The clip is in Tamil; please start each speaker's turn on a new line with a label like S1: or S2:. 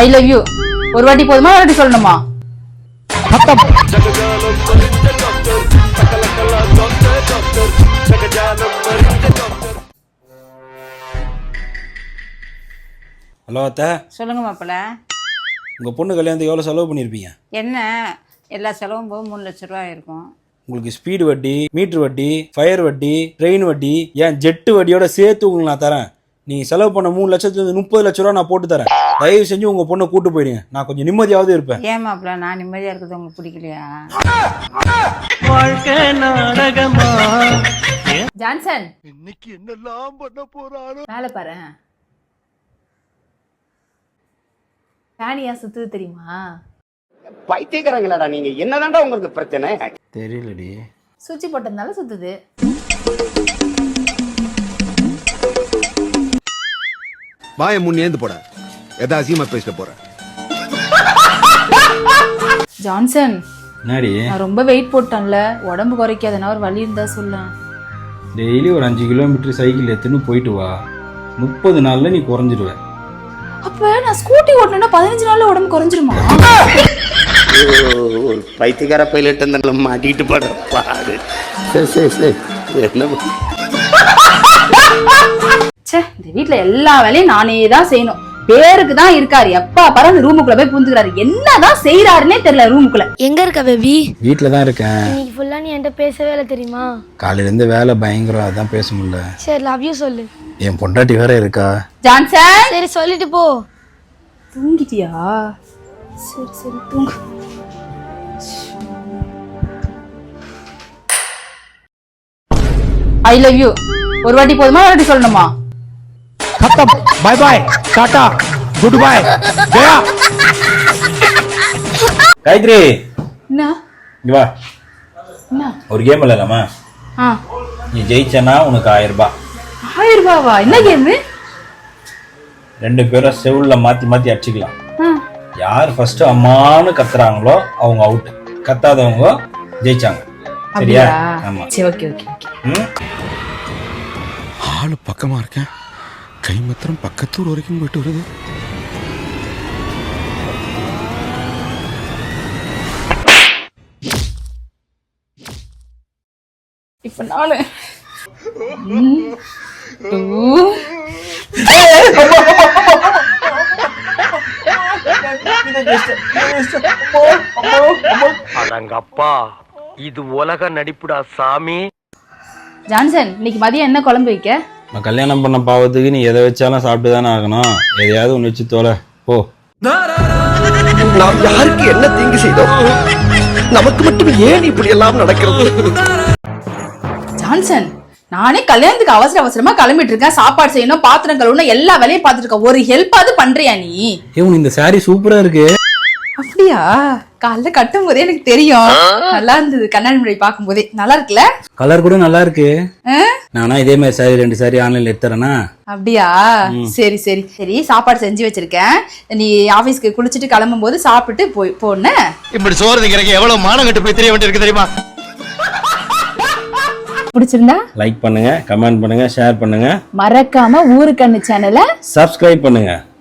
S1: ஐ லவ் யூ ஒரு வாட்டி போதுமா ஒரு வாட்டி சொல்லணுமா?
S2: ஹலோ அத்தை,
S1: சொல்லுங்க மாப்பிள்ள.
S2: உங்கள் பொண்ணு கல்யாணத்துக்கு எவ்வளோ செலவு பண்ணியிருப்பீங்க?
S1: என்ன எல்லா செலவும் போக 3 லட்ச ரூபா இருக்கும்.
S2: உங்களுக்கு ஸ்பீடு வட்டி, மீட்ரு வட்டி, ஃபயர் வட்டி, ட்ரெயின் வட்டி, ஏன் ஜெட்டு வட்டியோட சேர்த்து உங்களுக்கு நான் தரேன். நீங்கள் செலவு பண்ண 3 லட்சத்துலேருந்து 30 லட்ச ரூபா நான் போட்டு தரேன். தயவு செஞ்சு உங்கள் பொண்ணை கூட்டு போயிடுங்க, நான் கொஞ்சம் நிம்மதியாவது இருப்பேன்.
S1: ஏன் மாப்பிள்ள, நான் நிம்மதியாக இருக்கிறது உங்களுக்கு பிடிக்கலையா? ஜான்சன்,
S3: இன்னைக்கு என்னெல்லாம் பண்ண போறாரோ.
S1: மேலே பாரு, ஃபேனியா சுத்துது தெரியுமா?
S4: பைத்தியக்காரங்களாடா நீங்க, என்னதான்டா உங்களுக்கு பிரச்சனை?
S2: தெரியலடி.
S1: சுவிட்ச் போட்டதுனால சுத்துது.
S3: வாய முன்னேந்து போட, எதா அசியமா பேசிட்டு போற.
S1: ஜான்சன்,
S2: என்னடி?
S1: நான் ரொம்ப வெயிட் போட்டேன்ல, உடம்பு குறைக்காதனா ஒரு வழி இருந்தா சொல்ல.
S2: டெய்லி ஒரு 5 கிலோமீட்டர் சைக்கிள் எடுத்துன்னு போயிட்டு வா, 30 நாளில் நீ குறைஞ்சிடுவேன்.
S1: அப்ப நான் ஸ்கூட்டி ஓட்டணும்னா 15 நாள்ல உடம்பு குறைஞ்சிருமா?
S4: ஒரு பைத்தியக்கார பைலட் அந்த மாட்டிட்டு போட பாரு. சரி என்ன
S1: ச்சே, இந்த வீட்ல எல்லா வேலையும் நானே தான் செய்யணும். பேருக்கு தான் இருக்காரு, எப்ப பாரு அந்த ரூமுக்குள்ள போய் புந்துக்கிறாரு. என்னதான் செய்யறாருன்னே தெரியல ரூமுக்குள்ள.
S5: எங்க இருக்க பேபி?
S2: வீட்டில் தான் இருக்கேன்.
S5: இன்னைக்கு ஃபுல்லா நீ என்கிட்ட பேசவே இல்லை தெரியுமா?
S2: காலையிலேருந்து வேலை பயங்கரம், அதான் பேச முடியல.
S5: சரி லவ் யூ சொல்லு.
S2: என் பொண்டாட்டி வேற இருக்கா.
S1: ஜான்சன்,
S5: சரி சொல்லிட்டு போ.
S1: தூங்கிட்டியா? சரி தூங்கு. ஐ லவ் யூ ஒரு வாட்டி போதுமா ஒரு வாட்டி சொல்லணுமா?
S3: Bye bye, tata, good bye, Jaya.
S2: Gayatri,
S1: என்ன
S2: இங்க வா,
S1: என்ன?
S2: ஒரு கேம் விளையாடலாமா? நீ ஜெயிச்சனா உனக்கு 1000 ரூபாய்.
S1: 1000 ரூபாவா? என்ன கேமு?
S2: 2 பேரும் செவுல்ல மாத்தி மாத்தி அடிச்சுக்கலாம். யார் ஃபர்ஸ்ட் அம்மான்னு கத்துறாங்களோ அவங்க அவுட், கத்தாதவங்க ஜெயிச்சாங்க. சரியா? ஆமா.
S1: சரி, ஓகே.
S3: ஆளு பக்கமா இருக்கேன், கை மாத்திரம் பக்கத்தூர் வரைக்கும் போயிட்டு வருது.
S1: இப்ப நானு
S6: அடங்கப்பா, இது உலக நடிப்புடா சாமி.
S1: ஜான்சன், இன்னைக்கு மதியம் என்ன குழம்பு வைக்க?
S2: நான் கல்யாணம் பண்ண பாவத்துக்கு நீ எதை வச்சாலும் சாப்பிட்டு தானே ஆகணும். எதையாவது ஒன்று வச்சு தோலை போ.
S7: நாம் யாருக்கு என்ன தீங்கு செய்தோம்? நமக்கு மட்டும் ஏன் இப்படி எல்லாம் நடக்கிறது?
S1: ஜான்சன், நானே கல்யாணத்துக்கு அவசரமா கிளம்பிட்டு இருக்கேன். சாப்பாடு செய்யணும், பாத்திரம் கழுவணும், எல்லா வேலையும் பார்த்துட்டு இருக்கேன். ஒரு ஹெல்ப்பாவது பண்றியா நீ?
S2: ஏன் இந்த சாரி சூப்பரா இருக்கு.
S1: அப்படியா? காலைல கட்டும் போதே எனக்கு தெரியும், நல்லா இருந்தது. கண்ணாடி முன்னாடி பார்க்கும் போதே நல்லா இருக்குல்ல?
S2: கலர் கூட நல்லா இருக்கு. நானா இதே மாதிரி சாரி 2 சாரி ஆன்லைன்ல எடுத்துறேனா?
S1: அப்படியா? சரி, சாப்பாடு செஞ்சு வச்சிருக்கேன். நீ ஆபீஸ்க்கு குளிச்சுட்டு கிளம்பும் போது சாப்பிட்டு போன.
S3: இப்படி சோறு திங்கிறக்கு எவ்வளவு மானம் கட்டு போய் தெரிய வேண்டியிருக்கு தெரியுமா?
S1: பிடிச்சிருந்தா
S2: லைக் பண்ணுங்க, கமெண்ட் பண்ணுங்க, ஷேர் பண்ணுங்க,
S1: மறக்காம ஊரு கண்ணு சேனலை
S2: சப்ஸ்கிரைப் பண்ணுங்க.